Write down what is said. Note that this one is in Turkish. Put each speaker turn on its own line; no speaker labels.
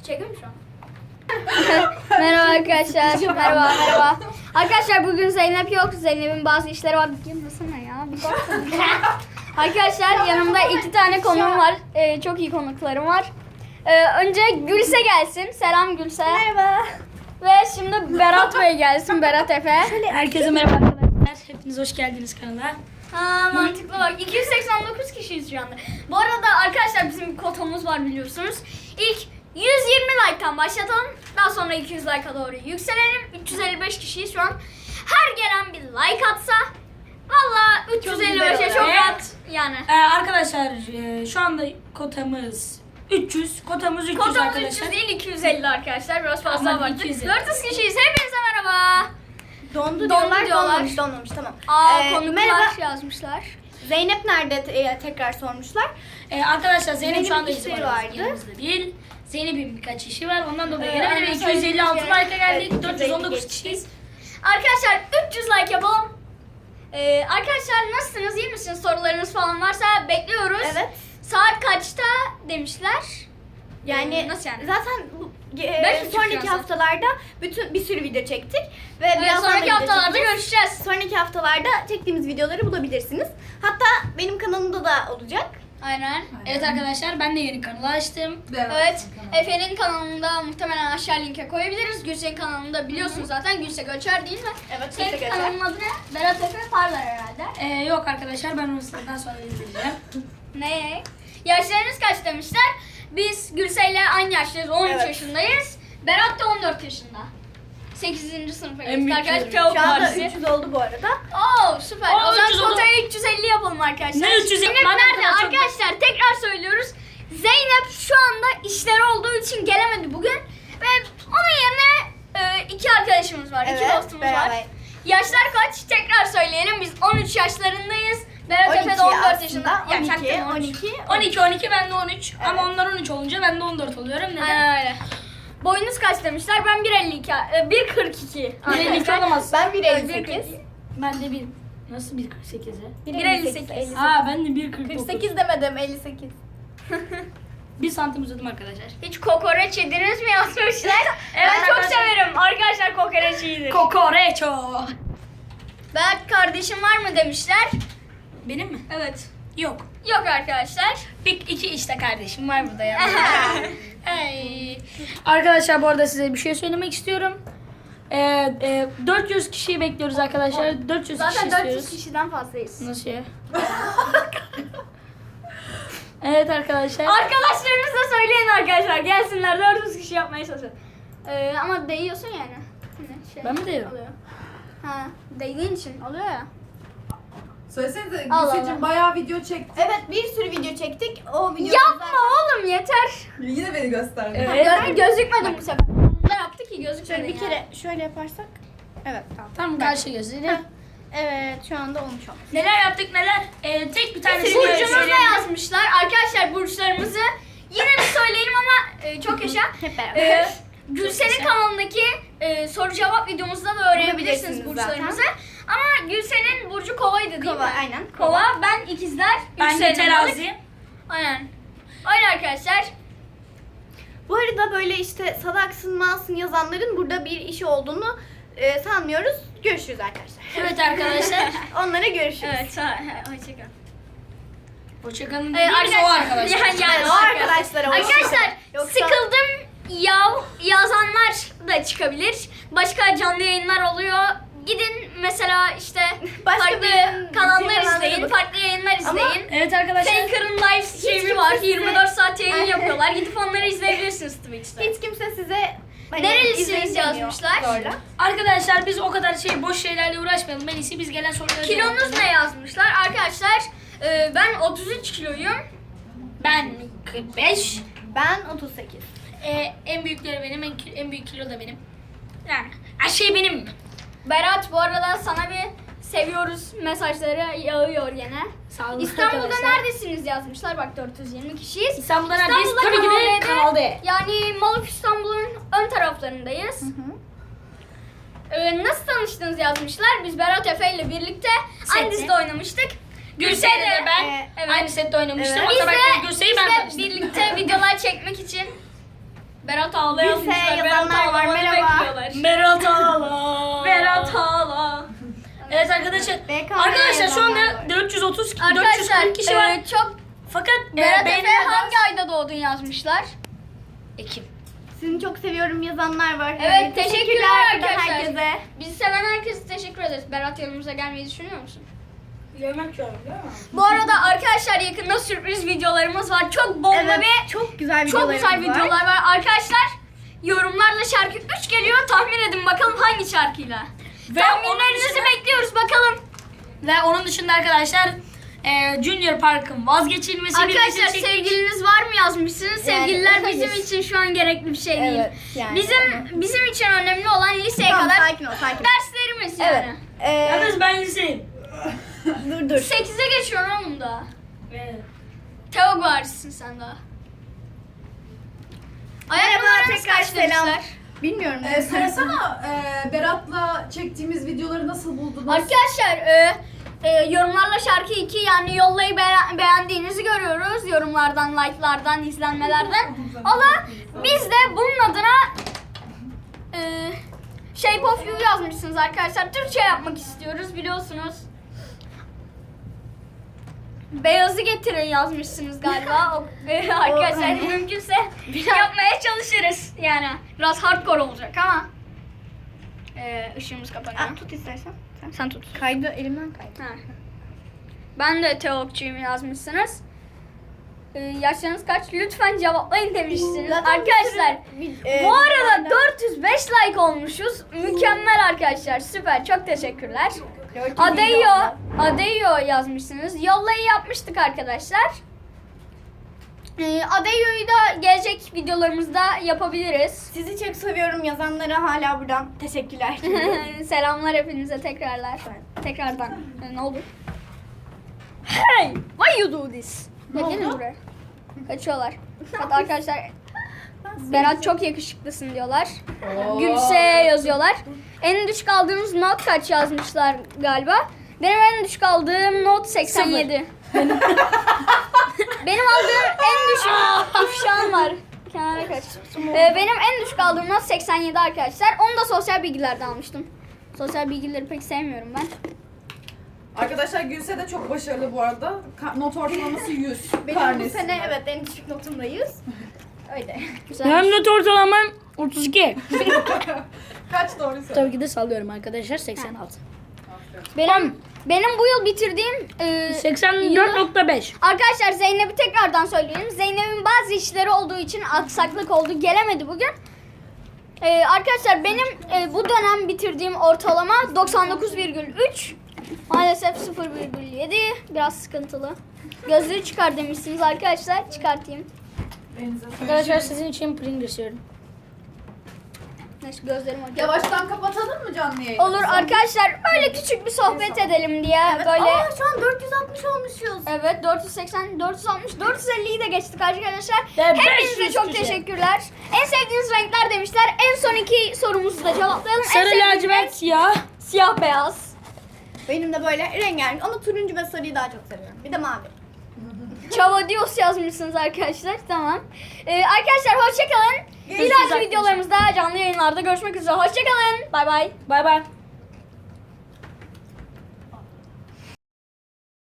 Çekiyor mu şu an? Merhaba arkadaşlar. Merhaba. Arkadaşlar bugün Zeynep yok. Zeynep'in bazı işleri var. Girmesene ya. Bir baksana. Arkadaşlar yanımda 2 tane konuğum var. Çok iyi konuklarım var. Önce Gülse gelsin. Selam Gülse.
Merhaba.
Ve şimdi Berat Bey gelsin. Berat Efe.
Herkese merhaba arkadaşlar. Hepiniz hoş geldiniz kanala.
Ha, mantıklı bak. 289 kişiyiz şu anda. Bu arada arkadaşlar bizim bir kotamız var biliyorsunuz. İlk 120 like'tan başlatalım. Daha sonra 200 like'a doğru yükselelim. 355 kişiyiz şu an. Her gelen bir like atsa valla 355'e çok rahat yani.
Arkadaşlar şu anda kotamız 300. Kotamız 300
Kotamız
arkadaşlar.
300 değil 250 arkadaşlar. Biraz fazla
Aman,
baktık.
250.
400 kişiyiz. Hepinize merhaba.
Dondu
diyorlar.
donmamış tamam.
Konuklar
Merhaba.
yazmışlar.
Zeynep nerede tekrar sormuşlar.
Arkadaşlar Zeynep şu anda
Zeynep'in
bizim
işleri
aramızda,
vardı.
yanımızda değil. Zeynep'in birkaç işi var. Ondan dolayı
Evet,
gelemedi.
mesela
256
200
like'a geldik.
evet,
419
geçti.
kişiyiz.
Arkadaşlar 300 like yapalım. Arkadaşlar nasılsınız? İyi misiniz? Sorularınız falan varsa bekliyoruz.
Evet.
Saat kaçta demişler?
Yani
Nasıl yani?
zaten bu,
5.30
sonraki
yazdı.
haftalarda bir sürü video çektik ve
Evet,
biraz
sonraki
video
haftalarda
çekeceğiz.
görüşeceğiz.
Sonraki haftalarda çektiğimiz videoları bulabilirsiniz. Hatta benim kanalımda da olacak.
Aynen.
Evet arkadaşlar ben de yeni kanalı açtım.
Evet. Efe'nin kanalında muhtemelen aşağı linke koyabiliriz. Gülse'nin kanalında biliyorsunuz zaten. Gülse Göçer değil mi?
Evet,
Senin
Gülse Göçer.
kanalın adı ne? Berat Efe Parlar herhalde.
Yok arkadaşlar ben onu sizden sonra izleyeceğim.
Ne? Yaşlarınız kaç demişler? Biz Gülse'yle aynı yaşlıyız. 13
Evet.
yaşındayız. Berat da 14 yaşında. 8. sınıfa
En
geçti
büyük
arkadaşlar.
çocuk.
Teok
Şu anda
Partisi.
300 oldu bu arada.
Oo süper.
Aa,
O zaman
300 oldu.
kotaya 350 yapalım arkadaşlar.
Ne 300
Zeynep
Madem
nerede?
kadar çok-
Arkadaşlar tekrar söylüyoruz. Zeynep şu anda işleri olduğu için gelemedi bugün. Ve onun yerine 2 arkadaşımız var. 2 dostumuz var.
beraber.
Yaşlar kaç? Tekrar söyleyelim. Biz 13 yaşlarındayız. Berat Efe
12
de 14
aslında.
yaşında. Ya,
12,
çaktırma,
12.
12 ben de 13 ama onlar 13 olunca ben de 14 oluyorum. Neden?
Aynen öyle. Boyunuz kaç demişler? Ben 1.52. 1.42.
1.52 olamaz.
Ben
Evet,
1.58.
Ben de bir nasıl 1.48'e?
1.58.
Ben de 1.49.
48 demedim 58.
1 santim uzadım arkadaşlar.
Hiç kokoreç yediniz mi yazmışlar? Evet
Ben
çok
arkadaşlar-
severim. Arkadaşlar kokoreç iyidir.
Kokoreço.
Berk kardeşim var mı demişler?
Benim mi?
Evet.
Yok.
Yok arkadaşlar.
İki işte kardeşim var burada ya. Hey. Arkadaşlar bu arada size bir şey söylemek istiyorum. 400 kişiyi bekliyoruz arkadaşlar. 400
Zaten
kişi
400
istiyoruz.
kişiden fazlayız.
Nasıl ya? Evet arkadaşlar.
Arkadaşlarınıza söyleyin arkadaşlar. Gelsinler 400 kişi yapmaya çalışın. Ama değiyorsun yani. Hani
Ben mi değiyorum?
Oluyor. Ha, değdiğin için oluyor ya.
Söylesenize
Allah
Gülseciğim
Allah.
bayağı video çekti.
Evet bir sürü video çektik. O video
Yapma oğlum yeter.
Yine beni gösterdi.
Evet.
Gözükmedim bu sefer. Ne yaptı ki gözükmedi
Şöyle bir
yani.
kere şöyle yaparsak. Evet tamam.
Tam karşı gözüyle.
Evet şu anda olmuş olmuş.
Neler yaptık neler? Tek bir tanesi
Burcumuzu da yazmışlar. Arkadaşlar burçlarımızı yine bir söyleyelim ama çok yaşa.
Hep beraber.
Gülsen'in kanalındaki soru cevap videomuzda da öğrenebilirsiniz
Bulabilirsiniz
burçlarımızı. Ama Gülsen'in burcu kovaydı değil
Kova,
mi?
aynen.
Kova, ben ikizler.
Ben de
yükselen balık.
terazi.
Aynen. Öyle arkadaşlar.
Bu arada böyle işte salaksın malsın yazanların burada bir işi olduğunu sanmıyoruz. Görüşürüz arkadaşlar.
Evet arkadaşlar.
Onlara görüşürüz.
Evet. Hoşçakalın.
Hoşçakalın dediğimiz o arkadaşlar.
Yani
o arkadaşlara
Arkadaşlar
Yoksa-
sıkıldım yazanlar da çıkabilir. Başka canlı yayınlar oluyor. Gidin mesela işte
Başka
farklı
bir
kanallar
kanallara
izleyin,
bakın.
farklı yayınlar
Ama-
izleyin.
Evet arkadaşlar.
Faker'ın live stream'i
kimse
var.
size-
24 saat yayın yapıyorlar. Gidip onları izleyebilirsiniz Twitch'te.
Hiç kimse size
Nerelisiniz
izleyin demiyor
yazmışlar.
Zorla.
Arkadaşlar biz o kadar boş şeylerle uğraşmayalım. En iyisi biz gelen sorulara cevap
Kilonuz
verelim.
ne yazmışlar? Arkadaşlar ben 33 kiloyum.
Ben 45.
Ben 38.
En büyükleri benim, en büyük kilo da benim. Yani her şey benim.
Berat bu arada sana bir seviyoruz mesajları yağıyor yine.
Sağ olun
İstanbul'da
arkadaşlar.
neredesiniz yazmışlar. Bak 420 kişiyiz.
İstanbul'da neredeyiz?
İstanbul'da
Tabii ki de
Kanal
Kanal D.
Yani Maluf İstanbul'un ön taraflarındayız. Nasıl tanıştınız yazmışlar. Biz Berat Efe ile birlikte aynı
Sette.
dizide oynamıştık.
Gülse'yle de ben
evet.
aynı sette oynamıştım.
Evet.
O
Biz
zaman
de
Gülse'yi ben
işte
tanıştım.
birlikte videolar çekmek için Berat Ağla yazmışlar.
Lise
Berat
yazanlar var,
Ağla'nı
merhaba.
bekliyorlar.
Berat Ağla.
Berat Ağla.
Evet arkadaşlar.
BKM
arkadaşlar şu anda
yazanlar var.
430
Arkadaşlar
440 kişi var.
çok
Fakat
Berat Efe
beğenilenler-
hangi ayda doğdun yazmışlar.
Ekim.
Sizi çok seviyorum yazanlar var.
Evet,
Yani
teşekkürler
buradan
arkadaşlar.
herkese.
Bizi seven herkese teşekkür ederiz. Berat yanımıza gelmeyi düşünüyor musun?
Yemek yiyorum değil mi?
Bu arada arkadaşlar yakında sürpriz videolarımız var. Çok bomba
Evet,
ve
çok güzel
çok
videolarımız
güzel videolar var. Arkadaşlar yorumlarla şarkı 3 geliyor. Tahmin edin bakalım hangi şarkıyla.
Ve
Tahminlerinizi
onun dışında-
bekliyoruz bakalım.
Ve onun dışında arkadaşlar Junior Park'ın vazgeçilmesi
Arkadaşlar
birlikte çektik.
sevgiliniz var mı yazmışsınız.
Yani,
Sevgililer
hayır.
bizim için şu an gerekli bir şey değil.
Evet, yani
Bizim için önemli olan liseye
Tamam,
kadar
sakin ol, sakin ol.
derslerimiz
Evet.
yani.
Yalnız ben liseyim.
Dur dur.
8'e geçiyorsun oğlum daha.
Evet.
Teog varissin sen daha. Ayak
Merhaba,
numaranız
tekrar
kaç
selam.
demişler?
Bilmiyorum.
Söylesene Berat'la çektiğimiz videoları nasıl buldunuz?
Arkadaşlar yorumlarla şarkı 2 yani yollayı beğendiğinizi görüyoruz. Yorumlardan, like'lardan, izlenmelerden. Ama biz de bunun adına Shape of You yazmışsınız arkadaşlar. Türkçe yapmak istiyoruz biliyorsunuz. Beyazı getirin yazmışsınız galiba. Arkadaşlar mümkünse yapmaya çalışırız. Yani biraz hardcore olacak ama. Işığımız kapanıyor.
Tut istersen.
Sen tut.
Kaydı, elimden kaydı.
Ha. Ben de teologçuyum yazmışsınız. Yaşlarınız kaç? Lütfen cevaplayın demişsiniz.
Zaten
Arkadaşlar
bir
bu arada 405 like olmuşuz. Mükemmel arkadaşlar. Süper. Çok teşekkürler. Adeyo yazmışsınız. Yollayı yapmıştık arkadaşlar. Adeyo'yu da gelecek videolarımızda yapabiliriz.
Sizi çok seviyorum yazanlara hala buradan teşekkürler.
Selamlar hepinize tekrardan. Ne oldu? Hey! Why you do this? Ya gelin buraya. Kaçıyorlar. Evet arkadaşlar Berat çok yakışıklısın diyorlar. Gülse yazıyorlar. En düşük aldığınız not kaç yazmışlar galiba. Benim en düşük aldığım not 87. Benim aldığım en düşük ifşam var. Kenara kaç. Benim en düşük aldığım not 87 arkadaşlar. Onu da sosyal bilgilerden almıştım. Sosyal bilgileri pek sevmiyorum ben.
Arkadaşlar Gülse de çok başarılı bu arada. Not ortalaması 100.
Benim bu
karnesi.
sene evet en düşük notum da 100. Öyle.
Güzel.
Benim not ortalamam 32.
Kaç doğru söyle.
Tabii ki de sallıyorum arkadaşlar 86.
Benim bu yıl bitirdiğim
84.5.
arkadaşlar Zeynep'i tekrardan söyleyelim. Zeynep'in bazı işleri olduğu için aksaklık oldu. Gelemedi bugün. Arkadaşlar benim bu dönem bitirdiğim ortalama 99,3. Maalesef 0,7. Biraz sıkıntılı. Gözlüğü çıkar demişsiniz arkadaşlar. Çıkartayım.
Arkadaşlar sizin için Pringles istiyorum.
Neyse gözlerim acıyor.
Yavaştan kapatalım mı canlı yayını?
Olur arkadaşlar böyle küçük bir sohbet edelim diye böyle.
Şu an 460 olmuşuz.
Evet 480, 460, 450'yi de geçtik arkadaşlar.
Ve
Hepinize
500
çok
kişi.
teşekkürler. En sevdiğiniz renkler demişler. En son iki sorumuzu da cevaplayalım. En
Sarı
sevdiğiniz
lacivert
renk
siyah.
siyah beyaz.
Benim de böyle rengarenk ama turuncu ve sarıyı daha çok seviyorum. Bir de mavi.
Chavadios yazmışsınız arkadaşlar. Tamam. Arkadaşlar hoşçakalın. Bir dahaki videolarımızda canlı yayınlarda görüşmek üzere. Hoşçakalın. Bay bay.
Bay bay.